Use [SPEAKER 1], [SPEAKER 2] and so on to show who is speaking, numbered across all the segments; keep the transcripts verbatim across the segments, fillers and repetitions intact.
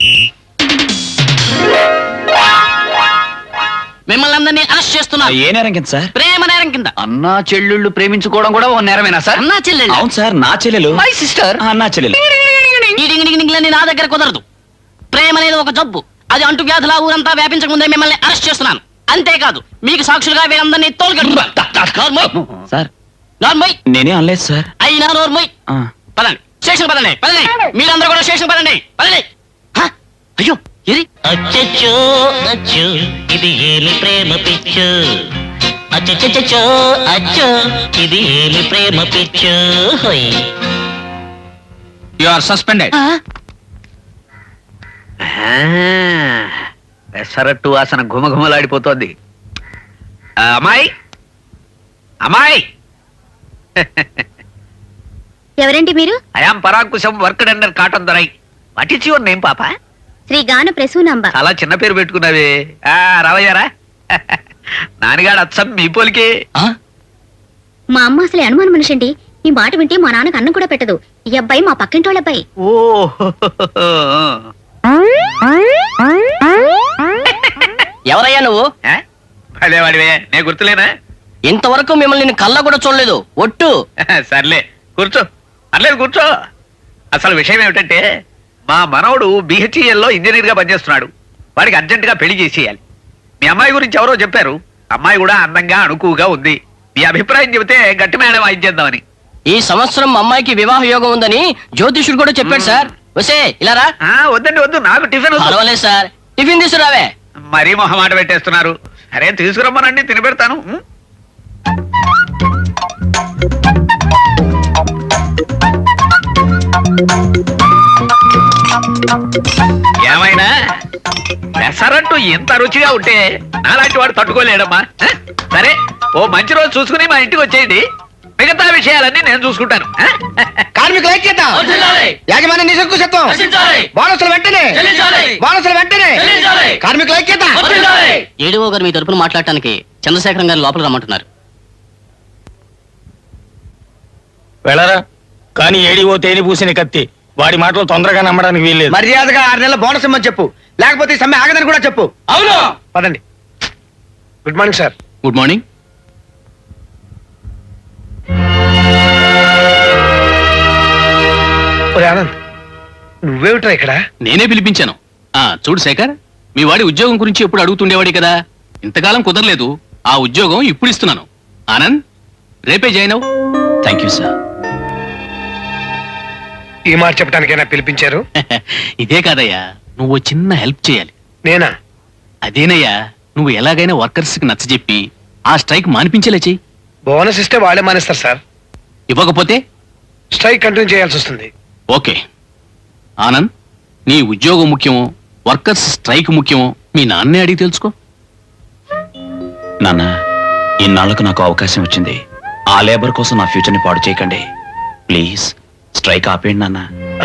[SPEAKER 1] మిమ్మల్ని అందరినీ అరెస్ట్ చేస్తున్నా.
[SPEAKER 2] ఏ నేరం కింద సార్?
[SPEAKER 1] ప్రేమ నేరం కింద.
[SPEAKER 2] అన్నా చెల్లెళ్ళు ప్రేమించుకోవడం కూడా ఓ నేరమేనా సార్?
[SPEAKER 1] అన్నా చెల్లెలు?
[SPEAKER 2] అవును సార్, నా చెల్లెలు.
[SPEAKER 1] My sister.
[SPEAKER 2] అన్నా చెల్లెలు.
[SPEAKER 1] ఈ డింగ్ డింగ్ డింగ్లని నా దగ్గర కుదరదు. ప్రేమ అనేది ఒక జబ్బు. అది అంటు వ్యాధుల ఊరంతా వ్యాపించక ముందే మిమ్మల్ని అరెస్ట్ చేస్తున్నాను. అంతేకాదు, మీకు సాక్షులుగా వీరందరినీ తోలుగట్టు.
[SPEAKER 2] సార్
[SPEAKER 1] నార్మోయ్.
[SPEAKER 2] నేనే అనలేదు సార్.
[SPEAKER 1] అయినా నోర్మోయ్. పదండి, స్టేషన్ పదండి, పదండి. మీరందరూ కూడా స్టేషన్ పదండి, పదండి. అయ్యో ఇది
[SPEAKER 3] అచ్చచ్చో అచ్చు ఇది ఏమి ప్రేమ పిచ్చు, అచ్చచ్చో అచ్చు ఇది ఏమి ప్రేమ పిచ్చు.
[SPEAKER 2] You are suspended.
[SPEAKER 4] పెసరట్టు వాసన ఘుమఘుమలాడిపోతోంది. అమ్మాయి, అమ్మాయి.
[SPEAKER 5] ఎవరండి మీరు?
[SPEAKER 4] I am Parankusam, worked under Cotton Dorai. What is your name పాప?
[SPEAKER 5] శ్రీ గాను ప్రసూనాంబ.
[SPEAKER 4] చాలా చిన్న పేరు పెట్టుకున్నావే. ఆ రావయ్యారా? నాన్నగాడు అచ్చం మీ పోలికే.
[SPEAKER 5] మా అమ్మ అసలు అనుమానం మనిషి అండి. ఈ మాట వింటే మా నాన్నకు అన్నం కూడా పెట్టదు. ఈ అబ్బాయి మా పక్కింటోళ్ళ అబ్బాయి.
[SPEAKER 4] ఓ
[SPEAKER 1] ఎవరయ్యా నువ్వు?
[SPEAKER 4] అదేవాడివే, నేను గుర్తులేనా?
[SPEAKER 1] ఇంతవరకు మిమ్మల్ని నేను కళ్ళ కూడా చూడలేదు. ఒట్టు.
[SPEAKER 4] సర్లే కూర్చో, అర్లేదు కూర్చో. అసలు విషయం ఏమిటంటే, మా మనవడు బిహెచ్ఈఎల్ లో ఇంజనీర్ గా పనిచేస్తున్నాడు. వాడికి అర్జెంట్ గా పెళ్లి చేసేయాలి. మీ అమ్మాయి గురించి ఎవరో చెప్పారు. అమ్మాయి కూడా అందంగా అణుకువగా ఉంది. మీ అభిప్రాయం చెబితే గట్టి మేడం వాయించేద్దామని.
[SPEAKER 1] ఈ సంవత్సరం అమ్మాయికి వివాహ యోగం ఉందని జ్యోతిషుడు కూడా చెప్పాడు సార్. వసే ఇలారా.
[SPEAKER 4] వద్దండి, వద్దు, నాకు టిఫిన్ వద్దు.
[SPEAKER 1] పర్వాలేదు సార్, టిఫిన్ తీసుకురావే.
[SPEAKER 4] మరీ మొహమాట పెట్టేస్తున్నారు. సరే తీసుకురమ్మనండి, తిని పెడతాను. ఏమైనా పెసరట్టు ఇంత రుచిగా ఉంటే నాలాంటి వాడు తట్టుకోలేడమ్మా. సరే, ఓ మంచి రోజు చూసుకుని మా ఇంటికి వచ్చేయండి. మిగతా విషయాలన్నీ నేను చూసుకుంటాను.
[SPEAKER 6] కార్మికుల ఐక్యత, యాజమాన్య నిరంకుశత్వం, బోనసులు వెంటనే, బోనసులు వెంటనే, కార్మికుల ఐక్యత.
[SPEAKER 1] ఏడీఓ గారు మీ తరపున మాట్లాడటానికి చంద్రశేఖరం గారు లోపల రమ్మంటున్నారు.
[SPEAKER 7] వెళ్ళరా. కానీ ఏడీఓ తేని పూసిన కత్తి, వాడి మాటలు తొందరగా నమ్మడానికి వీల్లేదు.
[SPEAKER 6] మర్యాదగా ఆరు నెలల బోనస్ ఇమ్మని చెప్పు, లేకపోతే ఈ సమ్మె ఆగదని కూడా చెప్పు.
[SPEAKER 7] అవును,
[SPEAKER 6] పదండి. Good morning sir.
[SPEAKER 2] Good morning.
[SPEAKER 6] Anand, నువ్వేమిట్రా ఇక్కడ?
[SPEAKER 2] నేనే పిలిపించాను. ఆ చూడు శేఖర్, మీ వాడి ఉద్యోగం గురించి ఎప్పుడు అడుగుతుండేవాడి కదా. ఇంతకాలం కుదరలేదు. ఆ ఉద్యోగం ఇప్పుడు ఇస్తున్నాను. ఆనంద్, రేపే జాయిన్ అవ్వు. Thank you sir.
[SPEAKER 6] ఈ మాట చెప్పడానికైనా పిలిపించారు?
[SPEAKER 2] ఇదే కాదయ్యా, నువ్వు చిన్న హెల్ప్ చేయాలి.
[SPEAKER 6] నేనా?
[SPEAKER 2] అదేనయ్యా, నువ్వు ఎలాగైనా వర్కర్స్ కి నచ్చజెప్పి ఆ స్ట్రైక్ మానిపించేలా చెయ్యి.
[SPEAKER 6] బోనస్ ఇస్తే వాళ్ళే మానేస్తారు సార్.
[SPEAKER 2] ఇవ్వకపోతే
[SPEAKER 6] స్ట్రైక్ కంటిన్యూ చేయాల్సి వస్తుంది.
[SPEAKER 2] ఓకే ఆనంద్, నీ ఉద్యోగం ముఖ్యమో వర్కర్స్ స్ట్రైక్ ముఖ్యమో మీ నాన్నే అడిగి తెలుసుకో. నాన్న, ఇన్నాళ్లకు నాకు అవకాశం వచ్చింది. ఆ లేబర్ కోసం నా ఫ్యూచర్ ని పాడు చేయకండి ప్లీజ్. స్ట్రైక్ ఆపేయండి నాన్న.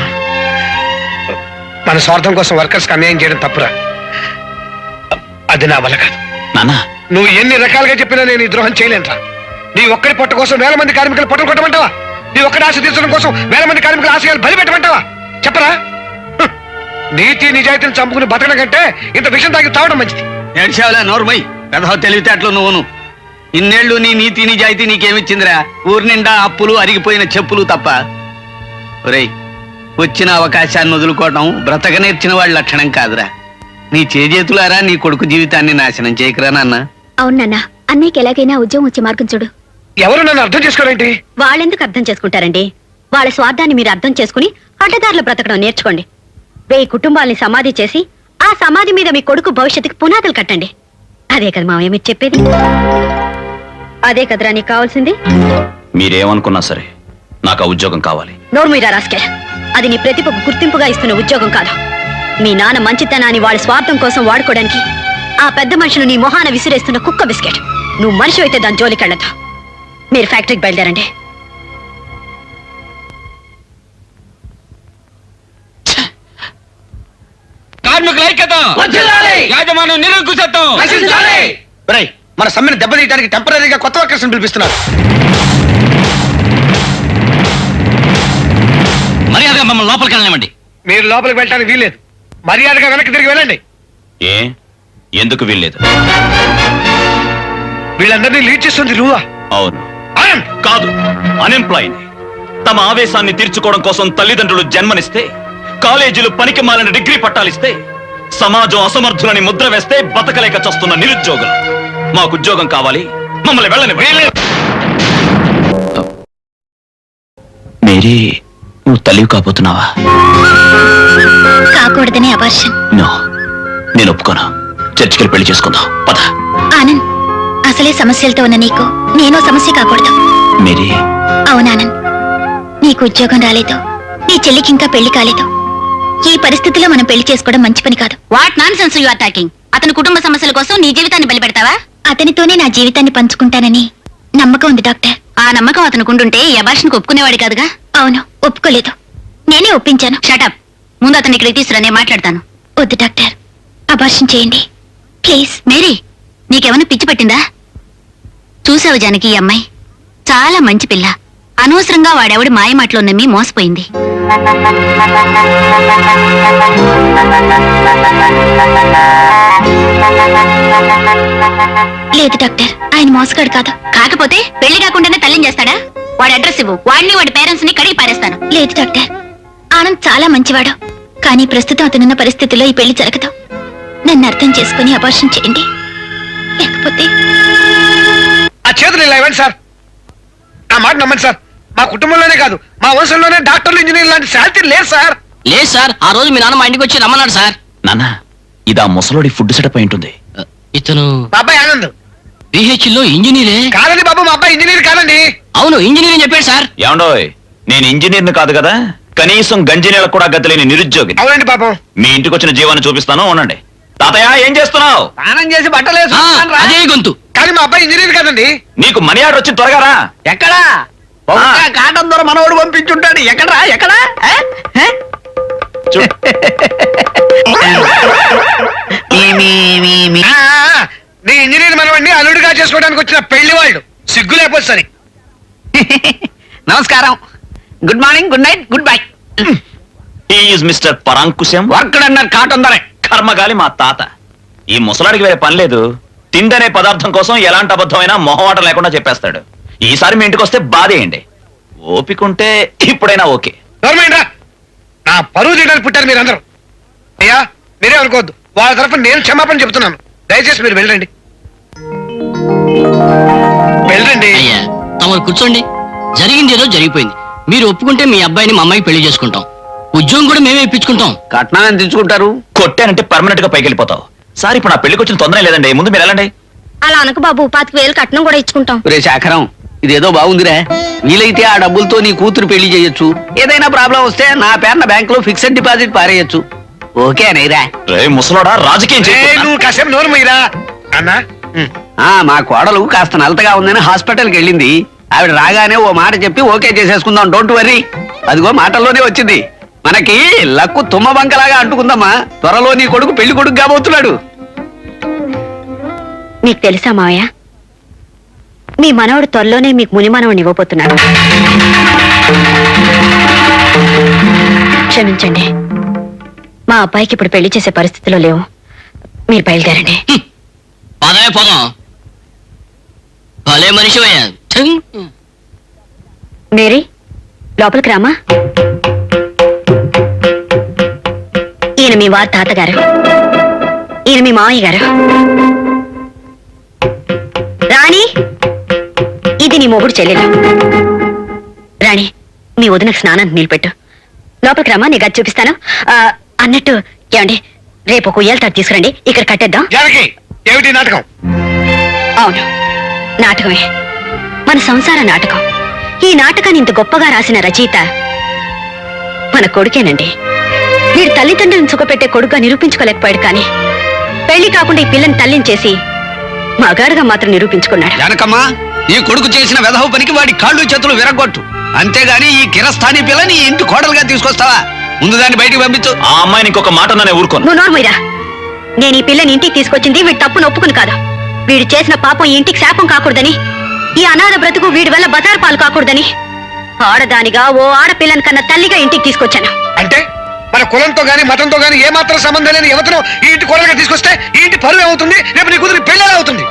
[SPEAKER 6] మన స్వార్థం కోసం వర్కర్స్ కి అన్యాయం చేయడం తప్పురా. అది నా వల్ల కాదు.
[SPEAKER 2] నాన్న,
[SPEAKER 6] నువ్వు ఎన్ని రకాలుగా చెప్పినా నేను ఈ ద్రోహం చేయలేనురా. నీ ఒక్కడి పొట్ట కోసం వేల మంది కార్మికులు పొట్టలు కొట్టమంటావా? నీ ఒక్కడి ఆశ తీర్చడం కోసం వేల మంది కార్మికుల ఆశయాలు బలి పెట్టమంటావా? చెప్పరా? నీతి నిజాయితీని చంపుకుని బతకడం కంటే ఇంత విషయం తాగి తావడం మంచిది.
[SPEAKER 4] ఏడ్చావులే నోర్మై, పెద్ద తెలివితేటలు నువ్వును. ఇన్నేళ్లు నీ నీతి నిజాయితీ నీకేమిచ్చిందిరా? ఊరి నిండా అప్పులు, అరిగిపోయిన చెప్పులు తప్ప. ఒరేయ్, వచ్చిన అవకాశాన్ని వదులుకోవడం బ్రతక నేర్చిన వాళ్ళ లక్షణం కాదురా. నీ చేజేతులారా నీ కొడుకు జీవితాన్ని నాశనం చేయకురా నాన్న.
[SPEAKER 5] అవునన్నా, అన్నయ్యకి ఎలాగైనా ఉద్యోగం వచ్చే మార్గం చూడు.
[SPEAKER 6] ఎవరు నన్ను అర్థం చేసుకోరేంటి?
[SPEAKER 5] వాళ్ళెందుకు అర్థం చేసుకుంటారండి? వాళ్ళ స్వార్థాన్ని మీరు అర్థం చేసుకుని అడ్డదారులు బ్రతకడం నేర్చుకోండి. వెయ్యి కుటుంబాలని సమాధి చేసి ఆ సమాధి మీద మీ కొడుకు భవిష్యత్తుకి పునాదులు కట్టండి. అదే కదా మామయ్య మీరు చెప్పేది? అదే కదరా నీకు కావాల్సింది?
[SPEAKER 2] మీరేమనుకున్నా సరే నాకు ఆ ఉద్యోగం కావాలి.
[SPEAKER 5] నోరు మీరా రాస్కే, అది నీ ప్రతిభకు గుర్తింపుగా ఇస్తున్న ఉద్యోగం కాదు. మీ నాన్న మంచితనాన్ని వాడి స్వార్థం కోసం వాడుకోవడానికి ఆ పెద్ద మనుషులు నీ మొహాన విసిరేస్తున్న కుక్క బిస్కెట్. నువ్వు మనిషి అయితే దాని జోలికెళ్ళదు. మీరు ఫ్యాక్టరీకి బయలుదేరండి.
[SPEAKER 7] కార్మికుల ఐక్యత, యాజమాన్యం నిరంకుశత్వం.
[SPEAKER 6] మన సమ్మెను దెబ్బతీయడానికి టెంపరీగా కొత్త వర్కర్స్ పిలిపిస్తున్నారు.
[SPEAKER 2] మర్యాదగా మమ్మల్ని లోపలికి వెళ్ళనివ్వండి.
[SPEAKER 6] మీరు లోపలికి వెళ్ళడానికి వీల్లేదు. మర్యాదగా వెనక్కి తిరిగి వెళ్ళండి.
[SPEAKER 8] ఏ ఎందుకు వీల్లేదు?
[SPEAKER 6] వీళ్ళందరినీ లీడ్ చేస్తుంది నువ్వా?
[SPEAKER 8] అవును.
[SPEAKER 6] ఆనంద్!
[SPEAKER 8] కాదు, అన్ఎంప్లాయ్ని. తమ ఆవేశాన్ని తీర్చుకోవడం కోసం తల్లిదండ్రులు జన్మనిస్తే, కాలేజీలు పనికి మాలిన డిగ్రీ పట్టాలిస్తే, సమాజం అసమర్థులని ముద్ర వేస్తే బతకలేక చస్తున్న నిరుద్యోగులు. మాకు ఉద్యోగం కావాలి, మమ్మల్ని వెళ్ళని. మేరీ, నువ్వు తల్లివి కాబోతున్నావా?
[SPEAKER 5] కాకూడదని అబార్షన్.
[SPEAKER 8] నో, నేను ఒప్పుకోను. చర్చికి పెళ్లి చేసుకుందాం, పద.
[SPEAKER 5] ఆనంద్, అసలే సమస్యలతో ఉన్న నీకు నేనో సమస్య కాకూడదు.
[SPEAKER 8] మేరీ.
[SPEAKER 5] అవునానంద్, నీకు ఉద్యోగం రాలేదు, నీ చెల్లికి ఇంకా పెళ్లి కాలేదు. ఈ పరిస్థితిలో మనం పెళ్లి చేసుకోవడం మంచి పని కాదు. What nonsense you are talking? అతని కుటుంబ సమస్యల కోసం నీ జీవితాన్ని బలిపెడతావా? అతనితోనే నా జీవితాన్ని పంచుకుంటానని నమ్మకం ఉంది డాక్టర్. ఆ నమ్మకం అతనుకుంటుంటే ఈ అబార్షన్కి ఒప్పుకునేవాడు కాదుగా. అవును, ఒప్పుకోలేదు. నేనే ఒప్పించాను. షటప్. ముందు అతన్ని ఇక్కడికి తీసుకురా, నేను మాట్లాడతాను. వద్దు డాక్టర్, అబార్షన్ చేయండి ప్లీజ్. మేరీ, నీకేమైనా పిచ్చి పట్టిందా? చూసావు జానకి, ఈ అమ్మాయి చాలా మంచి పిల్ల. అనవసరంగా వాడెవడి మాయ మాటలో నమ్మి మోసపోయింది. లేదు డాక్టర్, ఆయన మోసగాడు కాదు. కాకపోతే పెళ్లి కాకుండానే తల్లిని చేస్తాడా? వాడి అడ్రస్ ఇవ్వు, వాడిని వాడి పేరెంట్స్ ని కడిగి పారేస్తాను. లేదు డాక్టర్, ఆనంద్ చాలా మంచివాడు. కానీ ప్రస్తుతం అతనున్న పరిస్థితిలో ఈ పెళ్లి జరగదు. నన్ను అర్థం చేసుకుని అబార్షన్ చేయండి, లేకపోతే.
[SPEAKER 6] ఆ చేతులు ఇలా ఇవ్వండి సార్. నా మాట నమ్మండి సార్. మా కుటుంబంలోనే కాదు, మా వంశంలోనే డాక్టర్లు, ఇంజనీర్లు లాంటి శాంతి లేదు సార్.
[SPEAKER 1] లేదు సార్, ఆ రోజు మీ నాన్న మా ఇంటికి వచ్చి రమ్మన్నాడు సార్.
[SPEAKER 8] నాన్న, ఇది ఆ ముసలోడి ఫుడ్ సెటప్ అయి ఉంటుంది.
[SPEAKER 1] ఇతను
[SPEAKER 6] మా అబ్బాయి ఆనంద్.
[SPEAKER 1] బిహెచ్ లో ఇంజనీరే.
[SPEAKER 6] కాదండి బాబు, మా అబ్బాయి ఇంజనీర్ కాదండి.
[SPEAKER 1] అవును, ఇంజనీరింగ్ చెప్పాడు సార్.
[SPEAKER 8] ఏమండోయ్, నేను ఇంజనీర్ని కాదు కదా, కనీసం గంజినీళ్ళకు కూడా గతిలేని నిరుద్యోగి.
[SPEAKER 6] అవునండి పాపం.
[SPEAKER 8] మీ ఇంటికి వచ్చిన జీవాన్ని చూపిస్తాను, ఉండండి. తాతయ్య, ఏం చేస్తున్నావు?
[SPEAKER 4] స్నానం చేసి బట్టలు
[SPEAKER 1] ఆ,
[SPEAKER 4] వేసుకుంటాను రా.
[SPEAKER 1] అదే గొంతు.
[SPEAKER 6] కానీ మా అబ్బాయి ఇంజనీర్ కాదండి.
[SPEAKER 8] నీకు మనీ ఆర్డర్ వచ్చి త్వరగా రా.
[SPEAKER 4] ఎక్కడా? బహుశా కాటం ద్వారా మనోడు పంపించుంటాడు. ఎక్కడా ఎక్కడా ఆ? ఆ?
[SPEAKER 8] చూ-
[SPEAKER 4] మీ, మీ, మీ, మీ.
[SPEAKER 6] ఆ, ఆ, నీ ఇంజనీర్ మనవాడిని అల్లుడిగా చేసుకోవడానికి వచ్చిన పెళ్లి వాళ్ళు సిగ్గు లేకపోతే సరే.
[SPEAKER 4] నమస్కారం. Good morning, good night, good bye.
[SPEAKER 8] He is mister Parankusam.
[SPEAKER 4] Work అన్నారు కాటం ధర.
[SPEAKER 8] కర్మగాలి మా తాత. ఈ ముసలాడికి వేరే పని లేదు. తిందనే పదార్థం కోసం ఎలాంటి అబద్ధమైనా మొహమాట లేకుండా చెప్పేస్తాడు. ఈసారి మీ ఇంటికి వస్తే బాధేయండి. ఓపికంటే ఇప్పుడైనా ఓకే.
[SPEAKER 6] గవర్నమెంట్ రా, నా పరువు తీయడానికి పుట్టారు మీరందరూ. అయ్యా, మీరే అనుకోవద్దు, వాళ్ళ తరఫున నేను క్షమాపణ చెప్తున్నాను. దయచేసి మీరు వెళ్ళండి, వెళ్ళండి.
[SPEAKER 1] అయ్యా, తమరు కూర్చోండి. జరిగింది ఏదో జరిగిపోయింది. మీరు ఒప్పుకుంటే మీ అబ్బాయిని మా అమ్మాయికి పెళ్లి చేసుకుంటాం. ఉద్యోగం కూడా మేమే ఇప్పించుకుంటాం.
[SPEAKER 4] కట్నం ఎంత తెచ్చుకుంటారు?
[SPEAKER 8] కొట్టానంటే పర్మనెంట్ గా పైకి వెళ్ళిపోతావు. సార్, ఇప్పుడు నా పెళ్లికి వచ్చిన తొందర లేదండి. ముందు మీరు వెళ్ళండి.
[SPEAKER 5] అలా అనకు బాబు, పాతిక వేలు కట్నం కూడా ఇచ్చుకుంటాం.
[SPEAKER 4] రే శాఖరం, ఇదేదో బాగుందిరా. వీలైతే ఆ డబ్బులతో నీ కూతురు పెళ్లి చేయొచ్చు. ఏదైనా ప్రాబ్లం వస్తే నా పేరున బ్యాంక్ లో ఫిక్స్డ్ డిపాజిట్ పారేయచ్చు. ఓకే అనేరా?
[SPEAKER 8] రే ముసలోడా, రాజకీయం
[SPEAKER 6] ఏ,
[SPEAKER 8] చేయకు.
[SPEAKER 6] నువ్వు కాసేపు నోరు మీరా అన్నా.
[SPEAKER 4] ఆ మా కోడలు కాస్త నలతగా ఉందని హాస్పిటల్కి వెళ్ళింది. ఆవిడ రాగానే ఓ మాట చెప్పి ఓకే చేసేసుకుందాం, డోంట్ వరీ. అదిగో మాటల్లోనే వచ్చింది. మనకి లక్కు తుమ్మ బంకలాగా అంటుకుందమ్మా. త్వరలో నీ కొడుకు పెళ్లి కొడుకు కాబోతున్నాడు.
[SPEAKER 5] మీకు తెలుసా మావయ్య, మీ మనవడు త్వరలోనే మీకు ముని మనవడిని ఇవ్వబోతున్నాడు. క్షమించండి, మా అబ్బాయికి ఇప్పుడు పెళ్లి చేసే పరిస్థితిలో లేవు. మీరు బయలుదేరండి.
[SPEAKER 1] పదవే పోదాం. భలే మనిషి అయ్యా.
[SPEAKER 5] మేరీ, లోపలికి రామా. ఈయన మీ వారి తాతగారు, ఈయన మీ మావయ్య గారు. రాణి, ఇది నీ మొగుడు చెల్లెలు. రాణి, మీ వదినకు స్నానానికి నిలబెట్టు. లోపలికి రామా, నీ గది చూపిస్తాను. ఆ, అన్నట్టు ఏమండి, రేపు ఒక ఉయ్యాల తాడు తీసుకురండి, ఇక్కడ కట్టేద్దాం.
[SPEAKER 6] జానకి, ఏమిటి నాటకం?
[SPEAKER 5] అవును, నాటకమే. మన సంసార నాటకం. ఈ నాటకాన్ని ఇంత గొప్పగా రాసిన రచయిత మన కొడుకేనండి. వీడు తల్లిదండ్రులను సుఖపెట్టే కొడుకుగా నిరూపించుకోలేకపోయాడు, కానీ పెళ్లి కాకుండా ఈ పిల్లని తల్లిని చేసి మగాడుగా మాత్రం నిరూపించుకున్నాడు.
[SPEAKER 4] జానకమ్మా, ఈ కొడుకు చేసిన వెధవ పనికి వాడి కాళ్ళు చేతులు విరగొట్టు. అంతేగాని ఈ కిరస్థాని పిల్లని ఈ ఇంటి కోడలుగా తీసుకొస్తావా? ముందు దాన్ని బయటికి పంపించు.
[SPEAKER 8] ఆ అమ్మాయిని ఇంకొక మాట అన్నా నేను ఊరుకోను.
[SPEAKER 5] నువ్వు నోర్మీరా. నేను ఈ పిల్లని ఇంటికి తీసుకొచ్చింది వీడి తప్పును ఒప్పుకుని కాదు. వీడు చేసిన పాపం ఈ ఇంటికి శాపం కాకూడదని, ఈ అనాథ బ్రతుకు వీడి వల్ల బజారు పాలు కాకూడదని, ఆడదానిగా ఓ ఆడపిల్లని కన్నా తల్లిగా ఇంటికి తీసుకొచ్చాను.
[SPEAKER 6] అంటే మన కులంతో గాని మతంతో గాని ఏమాత్రం సంబంధం లేని యువతను ఈ ఇంటి కోడలుగా తీసుకొస్తే ఈ ఇంటి పరువు ఏమవుతుంది? రేపు నీ కూతురు పెళ్ళి అవుతుంది.